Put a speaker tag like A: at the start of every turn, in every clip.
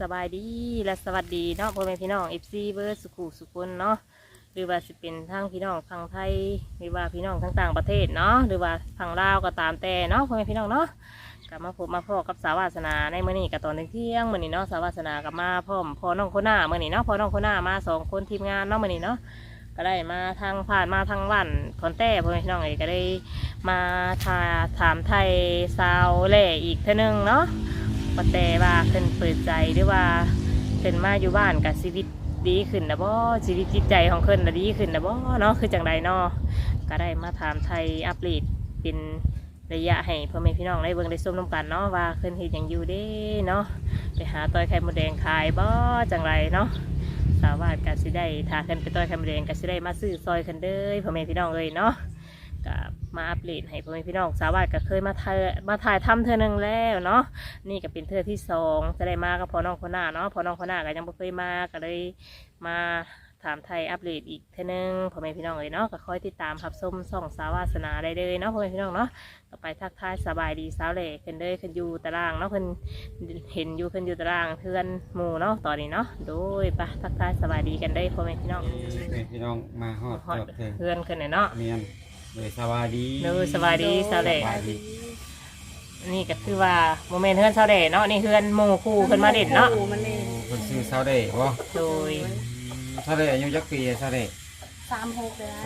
A: บายดีและสวัสดีเนาะพ่อแม่พี่น้องFCเบอร์สุขุสุขคนเนาะหรือว่าสิเป็นทั้งพี่น้องฝั่งไทยหรือว่าพี่น้องทั้งต่างประเทศเนาะหรือว่าฝั่งลาวก็ตามแต่เนาะพ่อแม่พี่น้องเนาะกลับมาพบมาพ่อกับสาววาสนาในมื้อนี้กับตอนเที่ยงมื้อนี้เนาะสาววาสนากับมาพร้อมพ่อน้องคนหน้ามื้อนี้เนาะพ่อน้องคนหน้ามา2 คนทีมงานเนาะมื้อนี้เนาะก็ได้มาทางผ่านมาทางวันคอนแต้พ่อแม่พี่น้องก็ได้มาถามไทยสาวแหล่อีกเท่านึงเนาะว่าแต่ว่าเพิ่นเปิดใจหรือว่าเพิ่นมาอยู่บ้านกับชีวิตดีขึ้นนะบ่ชีวิตจิตใจของเพิ่นน่ะดีขึ้นนะบ่เนาะคือจังใดเนาะก็ได้มาถามไทยอัปเดตเป็นระยะให้พ่อแม่พี่น้องได้เบิ่งได้ชมน้ำกันเนาะว่าเพิ่นเฮ็ดหยังอยู่เด้เนาะไปหาต้อยไข่มดแดงขายบ่จังไรเนาะสาวาสก็สิได้ถ้าเพิ่นไปต้อยไข่มดแดงก็สิได้มาซื้อซอยเพิ่นเด้อพ่อแม่พี่น้องเอ้ยเนาะกับมาอัปเดตให้พ่อแม่พี่น้องสาวาสก็เคยมาถ่ายทำเธอหนึ่งแล้วเนาะนี่ก็เป็นเธอที่2จะได้มากับพ่อน้องคนหน้าเนาะพ่อน้องคนหน้าก็ยังไม่เคยมาก็เลยมาถามไทยอัปเดตอีกเธอหนึ่งพ่อแม่พี่น้องเลยเนาะก็คอยติดตามรับชมส่องสาวาสนาได้เลยเนาะพ่อแม่พี่น้องเนาะก็ไปทักทายสบายดีสาวเหล่ขึ้นเลยขึ้นอยู่ตารางเนาะขึ้นเห็นอยู่ขึ้นอยู่ตารางเพื่อนหมู่เนาะตอนนี้เนาะโดยไปทักทายสบายดีกันได้พ่อแม่พี่น้อง
B: พี่น้องมาฮอด
A: เพื่อนขึ้นเนาะ
B: เมียนเลยสวัสดี
A: สวัสดีสาวเหล่นี่ก็คือว่าโมเมนต์เพื่อนสาวเหล่เนาะนี่เพื่อนหมู่คู่เพื่อนมาเด็ดเนาะ
B: คนซื้อสาวเด้บ่
A: โดย
B: สาวเด้อายุจักปีสาวเด้
C: 36เลย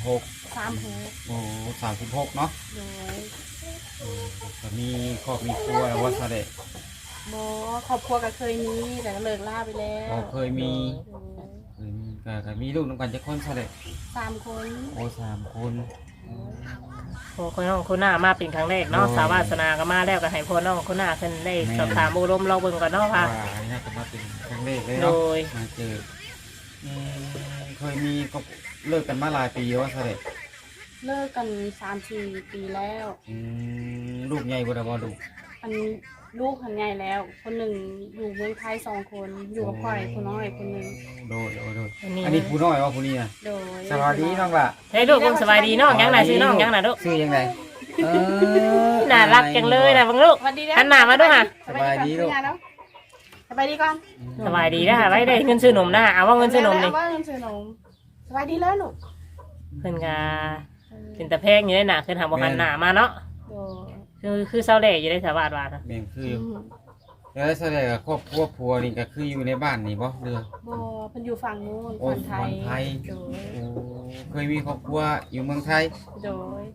C: 36
B: โอ้36เนาะ
C: โดย
B: ก็มีครอบมีครัวแล้วว่าสาวเด้
C: บ่ครอบครัวก็เคยมีแต่ก็เลิกลาไปแล้ว
B: เคยมีก็มีลูกน้ำกันจักคนสาวเด้
C: 3 คน
B: โอ้3 คน
A: โอ้คนน้องคนหน้ามาเป็นครั้งแรกเนาะสาววาสนาก็มาแล้วก็ให้พ่อน้องคนหน้าขึ้นได้สอบถามอารมณ์เราเบิ่งก่อนเนาะค่ะ
B: น่าจะมาเป็นครั้งแรกเลยเนาะมาเจอเคยมีก็เลิกกันมาหลายปีว่าสาวเด้
C: เลิกกัน3-4 ปีแล้ว
B: ลูกใหญ่บ่ได้บ่ลูก
C: อันลูกหันใหญ่แล้วคนหนึ่งอยู่เมืองไทย2 คนอยู่กับพ่อผู้น้อยคนหนึ่ง
B: โดยอันนี้ผู้น้อยว่าผู้นี้นะ
C: โดย
B: สวัสดีน้องล่ะ
A: เฮ้ยลูกคุณสบายดีน้องยังไหนซื้อน้องยังไหนลูก
B: ซื้อยังไง
A: น่ารักจังเลยนะบังลูกหันหน้ามาด้วยค่ะ
B: สบายดีลูก
C: สบายดีก่อน
A: สบายดีนะไว้ได้เงินซื้อนมนะเอาว่าเงินซื้อนมนี่
C: ว่าเงินซื้อนมสบายดีแล้วลูก
A: เพิ่นกาเป็นตะแพงอยู่ได้หนาขึ้นหาบ่หันหน้ามาเนาะคือเศร้าแหล่อยู่ได้สาวาสว่า
B: แม่นคือแล้วแสดงครอบครัวผัวนี่ก็คืออยู่ในบ้านนี่บ่เรือ
C: บ่เพิ่นอยู่ฝั่งนู้น
B: ฝั่งไทยเคยมีครอบครัวอยู่เมืองไทย
C: โดย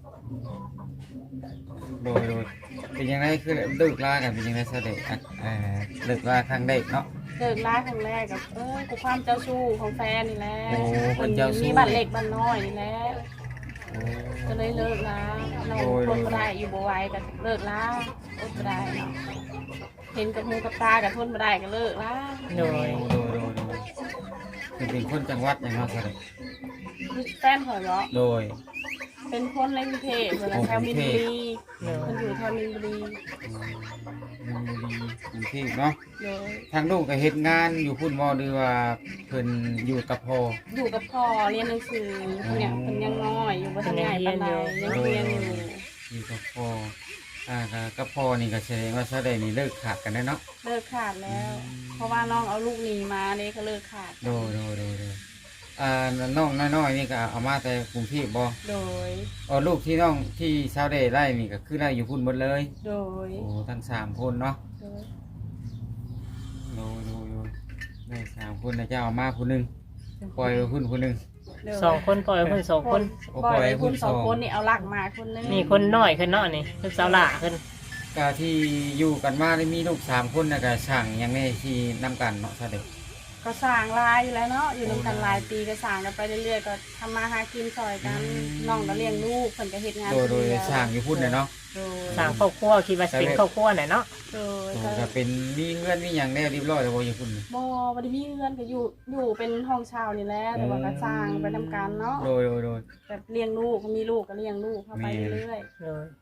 B: เป็นยังไงคือเลิกลากันเป็นยังไงแสดงเลิกลาครั้งแรกเนาะ
C: เลิกลาครั้งแรกกับกูความเจ้าชู้ของแฟนนี่แหละคนมีบ้านเล็กบ้านน้อยนี่แหละก็เลยเลิกลาเราทนไม่ได้อยู่บ่ไหวก็เลิกลาอดไม่ได้เนาะเห็นกับหูกับตากับทนไม่ได้ก็เลิกลา
A: โดย
B: เป็นคนจังหวัดยังไงแสดง
C: แฟนเขาเหรอ
B: โดย
C: เป็นคนในกรุงเทพเหมือนแถวมินบุรีคนอยู่แถวมินบุรี
B: กรุงเทพเนาะทางลูกก็เฮ็ดงานอยู่พุ่นบ่หรือว่าเพิ่นอยู่กับพ่อ
C: อยู่กับพ่อเรียนหนังสือเนี่ยเพิ่นยังน้อยอยู่บ่ทันใหญ่ปานใดยังเรียน
B: อยู่กับพ่อกับพ่อนี่ก็แสดงว่าแสดงนี่เลิกขาดกันได้เนาะ
C: เลิกขาดแล้วเพราะว่าน้องเอาลูกหนีมาเนี่ยก็เลิกขาด
B: โดน้องน้อยๆนี่ก็เอามาแต่กรุงเทพบ่
C: โดย
B: ลูกที่น้องที่ชาวเดชได้นี่ก็คือได้อยู่พุ่นหมดเลย
C: โดย
B: ทั้ง3 คนเนาะได้3 คนนะเจ้าเอามาผู้นึงปล่อยพุ่นผู้นึง
A: 2 คนปล่อยพุ่น2 คน
C: ปล่อยพุ่น2 คนนี่เอาหลักมาคนนึง
A: มีคนน้อยขึ้นเนาะนี่คือสาวหล่าขึ้น
B: ก็ที่อยู่กันมาได้มีลูก3 คนนะก็สั่งยังไงที่นํกันเนาะชาวเดช
C: ก็สร้างลายอยู่แล้วเนาะอยู่นำกันหลายปีก็สร้างกันไปเรื่อยๆก็ทำมาหากินซอยกันน้องก็เลี้ยงลูกเพิ่นก็เฮ็ดงาน
B: โดยสร้างอยู่พุ่นเนาะ
A: สร้างครอบครัวคิดว่าเป็นครอบครัวไหนเนาะ
B: ก็เป็นมีเงินมีหยังแน่เรียบร้อยแล้วบ่อยู่พุ่น
C: บ่ได้มีเงินก็อยู่เป็นห้องเช่านี่แหละแต่ว่าก็สร้างไปทำการเนาะ
B: โดย
C: แบบเลี้ยงลูกมีลูกก็เลี้ยงลูกเข้าไปเรื่อย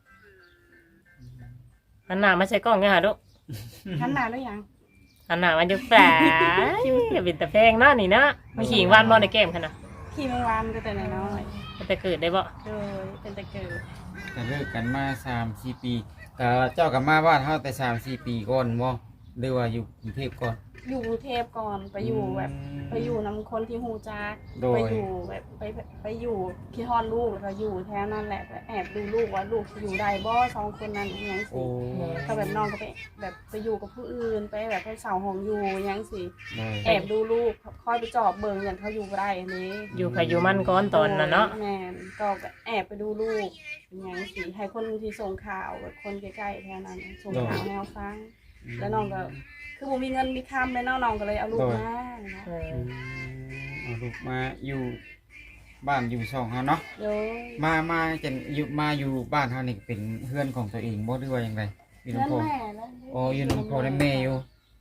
A: ๆหันหน้ามาใส่กล้องเนี่ยหาลูก
C: หันหน้าด้วยยัง
A: อันน่ะมันจะแปลอย่าเป็นตะแพงเนาะนี่เนาะมีขิงวานบ่ในเกมขนาด
C: ขี่เมื่อวานก็แต่น้อย
A: แต่เกิดได้บ่
C: เป็นแต่เกิด
B: แต่เลิกกันมา3-4 ปีเจ้ากับมาบ้านเฮาแต่3-4 ปีก่อนบ่หรือว่าอยู่กรุงเทพก่อน
C: อยู่กรุงเทพก่อนไปอยู่แบบไปอยู่นำคนที่ฮู้จักไปอยู่แบบไปอยู่คิดฮอดลูกแล้วก็อยู่แถวนั้นแหละไปแอบดูลูกว่าลูกอยู่ได้บ่2คนนั้นอย่างสิก็แบบน้องก็ไปแบบไปอยู่กับผู้อื่นไปแบบไปเสาห้องอยู่อย่างสิแอบดูลูกคอยไปจอบเบิ่งอย่างเขาอยู่บ่ได้อันนี้
A: อยู่ใครอยู่มันก่อนตอนน่ะเนาะ
C: แม่นก็แอบไปดูลูกอย่างสิให้คนที่ส่งข่าวแบบคนใกล้ๆแถวนั้นส่งข่าวให้เราฟังแล้วน้องก็คือผมมีเงินมีคำเลยน้องก็เลยเอาลูกมาเนาะ
B: เอาลูกมาอยู่บ้านอยู่ช่องเฮาเนาะ
C: โดย
B: มาจะอยู่บ้านเฮานี่เป็นเฮือนของตัวเองบ่หรือว่าจังไดอยู่
C: เพื่อน
B: นำพ่อ
C: แม่แล้ว
B: อ๋ออยู่นำพ่อและแม่อยู่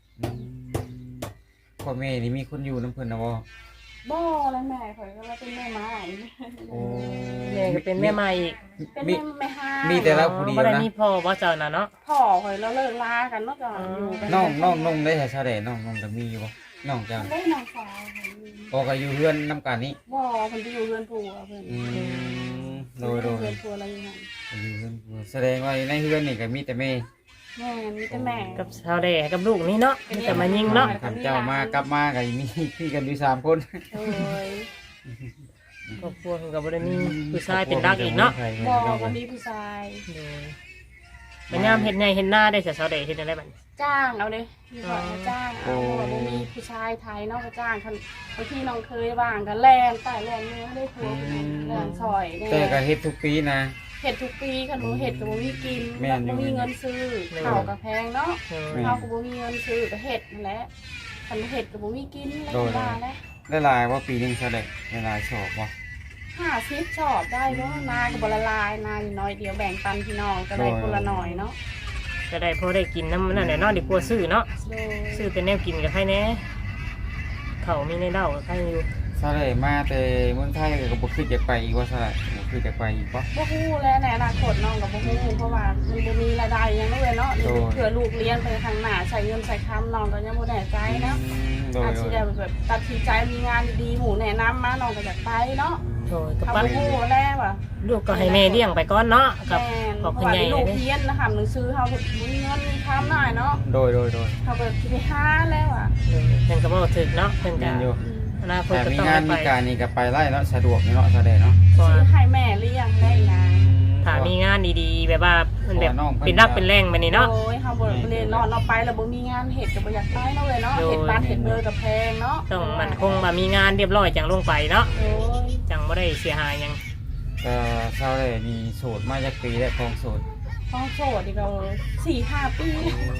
B: พ่อแม่นี่มีคนอยู่นำเพิ่นน่ะบ่
C: บ่แล้วแม่ข่อยก็เลยเป็นแม่ไม้
B: โอ้
A: แม่ก็เป็นแม่ใหม่อีก
C: เป็นแม่ไม่ห้า
B: มี
C: มี
B: แต่เราผู้เดียว
A: บ่ได้
B: นะ
A: มีพ่อบ่เจ้าน่ะเนาะ
C: พ่อข่อยแล้วเลิกลากันเนาะก็อยู่กัน
B: น้องได้แท้ๆได้น้องก็มีอยู่บ่น้องเจ้า
C: ได้น้องสาวข่อยอยู่
B: อ๋อก็อยู่เฮือนนำกันนี่
C: บ่เพิ่นไปอยู่เรือนผัวเพิ่น
B: โดย
C: เรือนผัวอะไรอย่างเงี้ย
B: อยู่เฮือนแสดงว่าในเฮือนนี่ก็มีแต่แม่
C: แม่มีแต่แม่
A: กับชาวแดกับลูกนี่เนาะมีแต่มายิงเนาะ
B: ข้าเจ้ามากลับมาก็มีพี่กันอยู่3คน
C: โอ้ย
A: ครอบครัวเขาก็บ่ได้มีผู้ชายเป็นรักอีกเนาะ
C: บ่ก็มีผู้ชาย
A: โดยปัญญามเห็นไงเห็นหน้าได้แต่ชาวแดเห็นอะไรบ้าง
C: จ้างเอาเลยมีก่อนก็จ้างเอาเพราะว่าบ่มีผู้ชายไทยเนาะก็จ้างคันบางทีน้องเคยบ้างก็แล่นใต้แล่นเนื้อได้ผัวแล่นซอยเนี่ย
B: แต่ก็เฮ็ดทุกปีนะ
C: เห็ดทุกปีคันบ่เห็ดก็บ่มีกิน
B: แม่นอยู่
C: บ่มีเงินซื้อข้าวก็แพงเนาะ
B: แม่น
C: ข้าวก็บ่มีเงินซื้อก็เห็ดนั่นแหละคันบ่เห็ดก็บ่มีกินแล้ว
B: โดย
C: ว่าแล้ว
B: ได้หลายว่าปีหนึงเท่าใดได้หลายสอบบ่
C: 50ชอบได้บ่นาก็บ่ละลายนาอยู่น้อยเดียวแบ่งปันพี่น้องก็ได้คนละหน่อยเนาะ
A: จะได้พอได้กินน้ำนั่นแหละเนาะดีกว่าซื้อเนาะ
C: โดย
A: ซื้อแต่แนวกินกับใครแน่เขามีในเล่ากับใครอยู่
B: เท่าใดมาแต่เมืองไทยก็บ่คิดจะไปอีกว่าเท่าใดบ่คิดจะไปอีกบ่
C: บ่ฮู้แล้วในอนาคตน้องก็บ่ฮู้เพราะว่ามันบ่มีรายได้หยังเลยเนาะ
B: โดย
C: เผื่อลูกเรียนไปข้างหน้าใช้เงินใช้คำน้องก็ยังบ่แน่ใจนะ
B: โดย
C: อาจ
B: โด
C: สิ
B: ย
C: ได้แบบตัดสินใจมีงานดีๆหมู่แนะนำมาน้องก็อยากไปเนาะ
A: โดยกับ
C: เขา
A: ปั้น
C: บ่ฮู้แล้วอ่ะ
A: ลูกก็ให้แม่เลี้ยงไปก่อนเนาะกับ
C: แม่น
A: ขอบ
C: เพ
A: คุ
C: ราะ
A: ณ
C: ว่า
A: ใหญ่
C: ลูก
A: เลย
C: เรียนนะคะหนังสือเฮาบ่มีเงินมีคำหน่อยเนาะ
B: โดย
C: เขาก็สิไปหาแล้วอ่ะ
A: เพิ่นก็บอกถึกเนาะเพิ่น
B: แม่
A: ก็
B: นอยู่
A: อนาคต
B: แต่
A: ก็
B: มี
A: ต้อง
B: งาน
A: ไป
B: มีการนี่ก็ไปไล่เนาะสะดวกเนาะเท่าใดเนาะ
A: เพราะ
C: ซื้
A: ว่า
C: อให้แม่เลี้ยงได้นะ
A: ถ้ามีงานดีๆแบบว่ามันแบบ
B: เพราะว่าน้องเพิ่น
A: เป็นรักเป็นแรงแบบนี้เนาะ
C: โอ้ยเฮาบ่เรียนเนาะเราไปแล้วบ่มีงานเฮ็ดก็บ่อยากไปเนาะเว้ยเนาะ
A: โดย
C: เฮ็ดบ้านเฮ็ดเบอร์ก็แพงเนาะ
A: ต้องมันคงว่ามีงานเรียบร้อยจังลงไปเนาะ
C: โอ้ย
A: จังบ่ได้เสียหายหยัง
B: ก็เท่าใดนี่โสดมาจากปีแล้วของโสด
C: ต้องโสดอีกแล้ว4-5 ปี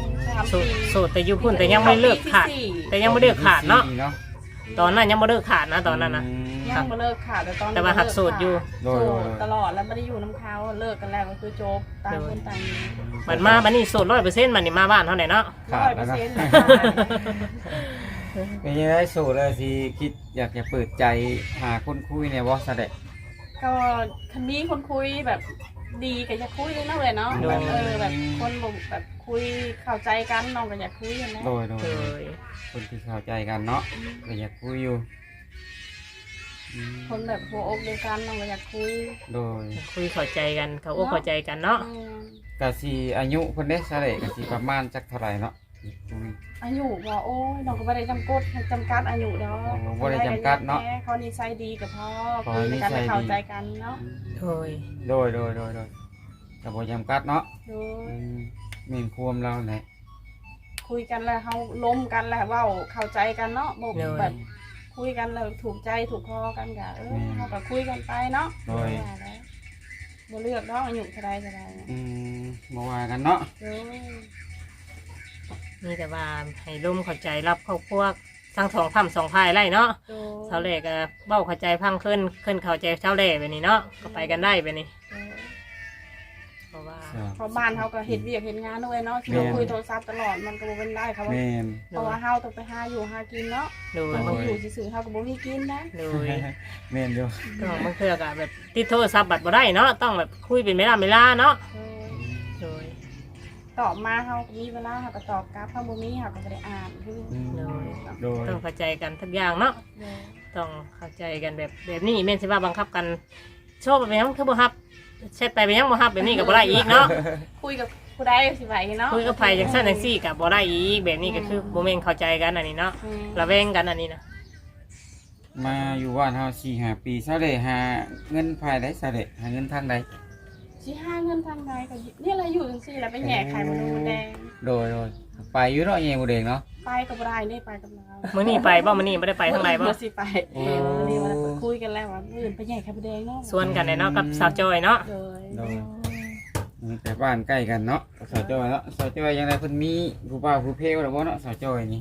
C: 3
A: โส
C: ปี
A: ดโสดแต่อยู่พุ่นแต่ยังไม่เลิกขาด แต่ยังไม่เลิกขาดเนาะ
B: ปีเนาะ
A: ตอนนั้นยังไม่เลิกขาดนะตอนนั้นนะ
C: ยังบ่เลิกค่ะแต่ตอนนี้
A: แต่ว่าหักโสดอยู่
B: โด
C: โส
B: ย
C: ดตลอดแล้วไม่ได้อยู่น้ำเขาเลิกกันแล้วก็คือจบต่างคนต่างอยู่
A: มันมาบันนี้โสด100%มันนี่มาบ้านเท่าไหร่เนาะ
B: ขาดแล้วเนาะ
C: 100%
B: เป็นยังไงโสดเลยสิคิดอยากจะเปิดใจหาคนคุยเนี่ยบ่ซะเด้
C: ก็คันนี้คนคุยแบบดีก็อยากคุยเลยนะเลยเนาะแบบแบบคนแบบคุยเข้าใจกันน้องก็อยากคุยกันนะ
B: โดย
A: โดย
B: คนที่เข้าใจกันเนาะก็อยากคุยอยู่อืม
C: คนแบบหัวอกเดียวกันน้องก็อยากคุย
B: โดย
A: คุยเข้าใจกันเขาอกเข้าใจกันเนาะ
B: ก็สิอายุเพิ่นเด้ซะเด้ก็สิประมาณจักเท่าไหร่เนาะคุย
C: อายุว่าโอ้ยน้องก็ไม่ได้จำกัดอายุเนาะ
B: บ่ได้จำกัดเนาะ
C: เขานิสัยดีกับพ่อ
B: ขอ
C: คุย
B: นิ
C: กัน
B: สัยดี
C: เข้าใจกันเนาะ
A: โดย
B: โดยก็บ่จำกัดเนาะ
C: โดย
B: มีความเราแหละ
C: คุยกันแล้วเขาล้มกันแล้วเว่าเข้าใจกันเนาะบ่
A: โดย
C: แบบคุยกันแล้วถูกใจถูกคอกันกะเขาก็คุยกันไปเนาะ
B: โดย
C: ว่าแล้วบ่เลือกเนาะอายุเท่าใดเนี่ย
B: บ่ว่ากันเนาะ
C: โอ้ย
A: มีแต่ว่าให้ร่มเข้าใจรับครอบครัวทั้งสองฝั่งสองฝ่ายไล่เนาะ
C: โดย
A: ชาวเล่ก็เบ้าเข้าใจพังขึ้นเข้าใจชาวเล่แบบนี้เนาะก็ไปกันได้แบบนี้
C: โดย
A: เพราะว่า
C: เพราะบ้านเขาก็เฮ็ดเวียกเฮ็ดงานด้วยเนาะที่เราคุยโทรศัพท์ตลอดมันก็บ่เป็นได้เขาว่า
B: แม่น
C: เพราะว่าเฮาต้องไปหาอยู่หากินเนาะ
A: โดย
C: เขาอยู่ซื่อๆเฮาก็บ่มีกินนะ
A: โดย
B: แม่นอยู่
A: ต้องบางเทื่อก็แบบติดโทรศัพท์บัดบ่ได้เนาะต้องแบบคุยเป็นเวลาเนาะ
C: โดย
A: โดย
C: ตอบมาเฮาก็มีเวลาเฮาก็ตอบกลับเฮาบ่มีเฮาก็บ่ได้อ่านคือ
A: โดย
B: โดย
A: ต้องเข้าใจกันทุกอย่างเนาะ
C: โดย
A: ต้องเข้าใจกันแบบนี้แม่นสิว่าบังคับกันโชว์ไปยังคือบ่ฮับเช็ดไปยังบ่ฮับแบบนี้ก็บ่ได้อีกเนาะ
C: คุยกับผู้ใดสิไหวเนาะ
A: คุยกับไผจังซั่นจังซี่ก็บ่ได้อีกแบบนี้ก็คือบ่แม่นเข้าใจกันอันนี้เนาะระแวงกันอันนี้นะ
B: มาอยู่บ้านเฮา4-5 ปีซะเลยหาเงินภายได้ซะเลยหาเงินทางใด
C: สิหาเงินทางใดก็นี่แหละอยู่จังซี่แล้วไปแย่ไข่มดแดง
B: โดยไปอยู่เนาะแย่บ่เด้งเนาะ
C: ไปกับบ่ได้นี่ไปกับเรา
A: มื้อนี้ไปบ่มื้อนี้บ่ได้ไปทางใดบ่
C: เมื่อสิไปนี่ว่าคุยกันแล้วว่ามื้ออื่นไปแย่ไข่มดแดงเนาะ
A: ชวนกันเนาะกับสาวจอยเนาะ
C: โดย
B: โดยแต่บ้านใกล้กันเนาะสาวจอยเนาะสาวจอยยังไงเพิ่นมีผู้บ่าวผู้เพลแล้วบ่เนาะสาวจอยนี่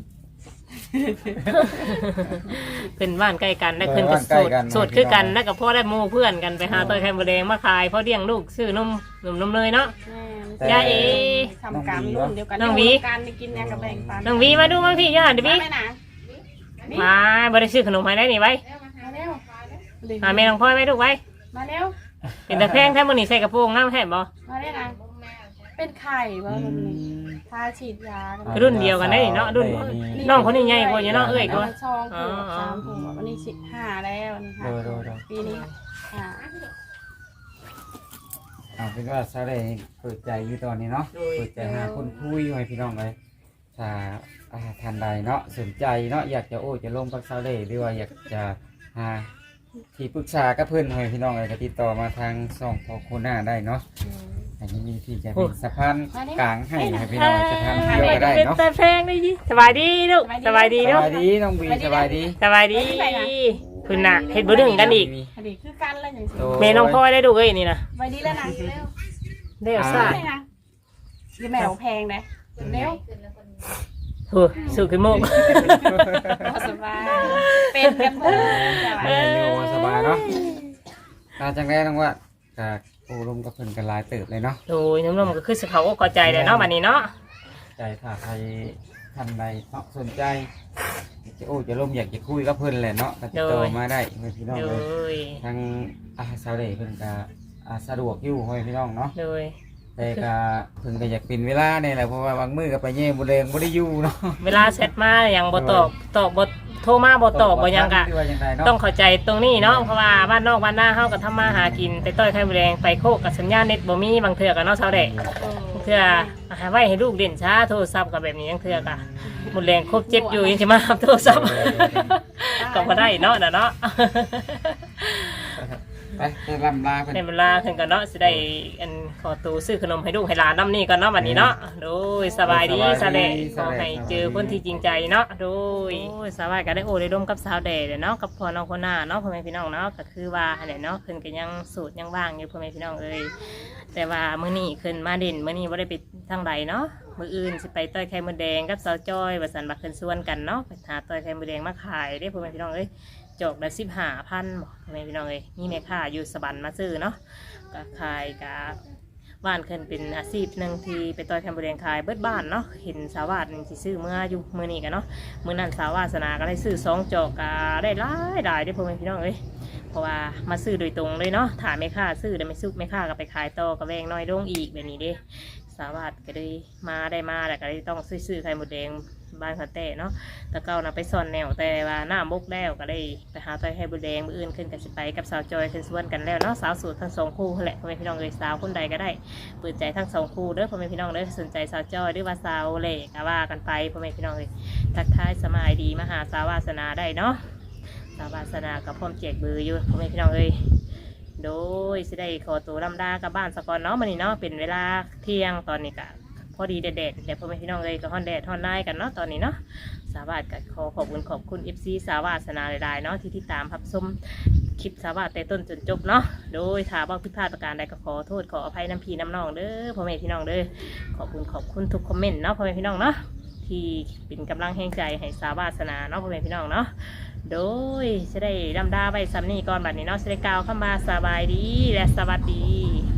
A: เป็นบ้านใกล้กันได้ขึ้นก็โสดคือกันแล้วก็พ่อได้หมู่เพื่อนกันไปหาต้อยไข่มดแดงมาขายพ่อเลี้ยงลูกซื้อนมนมเลยเนาะ ยาเอ
C: ทำกรรมรุ่นเดียวกัน
A: น้องวี
C: การกินแนวกับแบ่งปัน
A: น้องวีมาดูมาพี่ย่าดิพี่
C: ไม่นะ
A: มาบ่ได้ซื้อขนมให้ได้นี่ไว้
C: มาเร็ว
A: หาแม่น้องพ่อยไว้ลูกไว้
C: มาเร็ว
A: เป็นตะแพงแท้มื้อนี้ใส่กระโปรงน้ำแท้บ่
C: มาเร็วนะเป็นไข่ว่ามันทาฉีดยา
A: รุ่นเดียวกันได้นี่เนาะรุ่นน้องคนนี้ใหญ่กว่าอยู่เนาะเอ้ยกว่า
C: ช่องผูก3 ผูกวันนี้15แล้วนี่ค่ะปีนี้
B: เอาเป็นว่าซะเลยเปิดใจอยู่ตอนนี้เนาะเปิดใจหาคนคุยให้พี่น้องเลยถ้าท่านใดเนาะสนใจเนาะอยากจะจะลงกับซะเลยหรือว่าอยากจะหาที่ปรึกษากับเพื่อนให้พี่น้องเลยก็ติดต่อมาทางช่องพอโคน่าได้เนาะอันนี้มีที่จะเป็นสะพานกลางให้พี่น้องจะทำเที่ยวก็ได้
A: เป็น
B: เนาะ
A: ตะแพงได้ยิสบายดีลูกสบายดี
B: ส
A: เนาะ
B: บายดีน้องบีสบายดี
A: สบายดีคุณน่ะเฮ็ดบ่ดึงกันอีก
C: อดีตคือกันแล้วอย่างนี้
A: แม่น้องพ่อยได้ดูเอ้ยนี่นะ
C: ไปดีแล้วนะเร็ว
A: เด้อซ่า
C: ได้นะยี่แมวแพงนะเร็ว
A: โหสุขึ้นโมก
C: สบายเป็นกันเถอะ
B: อยู่สบายเนาะตาจังได้ต้องว่าจากโอ้ลมกับเพิ่นกันหลายเติบเลยเนาะ
A: โอ้ยน้ำนมก็คือสิเขาก็เข้าใจเลยเนาะบัดนี้เนาะ
B: ใจถ้าใครท่านใดเนาะสนใจจะลมอยากจะคุยกับเพิ่นแหละเนาะก็ติดต่อมาได้เพื่อนพี่น้อง
A: โด
B: เลย
A: ย
B: ทางสาวเดเพิ่นก็สะดวกอยู่เพื่อนพี่น้องเนาะ
A: โดย
B: แต่ก็เพิ่นก็อยากเป็นเวลาเนี่ยแหละเพราะว่าบางมื้อก็ไปแย่บ่แรงบ่ได้อยู่เนาะ
A: เวลาเสร็จมาอย่างบ่ตอบบ่โทรมาบ่ตอบบ่หยังกะ
B: ว่าจังไดเนาะ
A: ต้องเข้าใจตรงนี้เนาะเพราะว่าบ้านนอกบ้านหน้าเฮาก็ทำมาหากินแต่ต้อยไข่มดแดงไปโคกกับสัญญาณเน็ตบ่มีบางเทื่อก็เนาะเช้าแดกเทื่อหาไว้ให้ลูกเล่นช้าโทรศัพท์ก็แบบนี้ยังเทื่อกะหมดแรงครบเจ็บอยู่ยังสิมารับโทรศัพท์ก็บ่ได้เนาะน่ะเนาะ
B: ไปจะลำลาเพิ่น
A: ในเวลาขึ้นกันเนาะสิได้อันขอตูซื้อขนมให้ลูกให้หลานน้ำนี่ก่อนเนาะบัดนี้เนาะโดยสบายดีซะแหละขอให้เจอคนที่จริงใจเนาะโดยสบายก็ได้โอ้ได้ร่วมกับสาวแดดเนาะกับพ่อน้องคนหน้าเนาะพ่อแม่พี่น้องเนาะก็คือว่าอันไหนเนาะขึ้นก็ยังสูตรยังว่างอยู่พ่อแม่พี่น้องเอ้ยแต่ว่ามื้อนี้ขึ้นมาเด่นมื้อนี้บ่ได้ไปทางใดเนาะมื้ออื่นสิไปต้อยไข่มดแดงกับสาวจ้อยว่าซั่นบักขึ้นส่วนกันเนาะไปหาต้อยไข่มดแดงมาขายเด้พ่อแม่พี่น้องเอ้ยจอกละ15,000บ่พ่อแม่พี่น้องเอ้ยมีแม่ค้าอยู่สะบันมาซื้อเนาะก็ขายกะบ้านขึ้นเป็นอาชีพหนึ่งที่ไปต้อยไข่มดแดงขายเบิดบ้านเนาะเห็นสาวาสนี่สิซื้อเมื่ออยู่มื้อนี้กันเนาะมื้อนั้นสาวาสนาก็ได้ซื้อ2จอกก็ได้หลายเด้อพ่อแม่พี่น้องเอ้ยเพราะว่ามาซื้อโดยตรงเลยเนาะถ้าแม่ค้าซื้อแล้วไม่ซุกแม่ค้าก็ไปขายต่อก็แวงน้อยลงอีกแบบนี้เด้สาวาสก็เลยมาแล้วก็เลยต้องซื้อไข่มดแดงบ้านเขาแต่เนาะแต่เก่านะไปซ่อนแนวแต่ว่าหน้าบกแล้วก็ได้ไปหาต้อยไข่มดแดงมื้ออื่นขึ้นกันสิไปกับสาวจอยขึ้นส่วนกันแล้วเนาะสาวสูตรทั้งสองคู่แหละพ่อแม่พี่น้องเอ้ยสาวคนใดก็ได้เปิดใจทั้งสองคู่เด้อพ่อแม่พี่น้องเด้อสนใจสาวจอยหรือว่าสาวเล่ก็ว่ากันไปพ่อแม่พี่น้องเอ้ยทักทายสมัยดีมาหาสาววาสนาได้เนาะสาววาสนากับพ่อมแจกเบอร์อยู่พ่อแม่พี่น้องเอ้ยโดยสิได้ขอตัวลำดากับบ้านสกอนเนาะมื้อนี้เนาะเป็นเวลาเที่ยงตอนนี้ก็พอดีแดดเดี๋ยวพ่อแม่พี่น้องเลยก็ฮ้อนแดดฮ้อนไล่กันเนาะตอนนี้เนาะสาวาสก็ขอบคุณ FC สาวาสนาหลายๆเนาะที่ติดตามรับชมคลิปสาวาสแต่ต้นจนจบเนาะโดยถ้าบ่ผิดพลาดประการใดก็ขอโทษขออภัยน้ำพี่น้ำน้องเด้อพ่อแม่พี่น้องเด้อขอบคุณทุกคอมเมนต์เนาะพ่อแม่พี่น้องเนาะที่เป็นกำลังแห่งใจให้สาวาสนาเนาะพ่อแม่พี่น้องเนาะโดยจะได้ดำดาไว้ซ้ำนี่ก่อนบัดนี้เนาะจะได้กล่าวคำว่าสบายดีและสวัสดี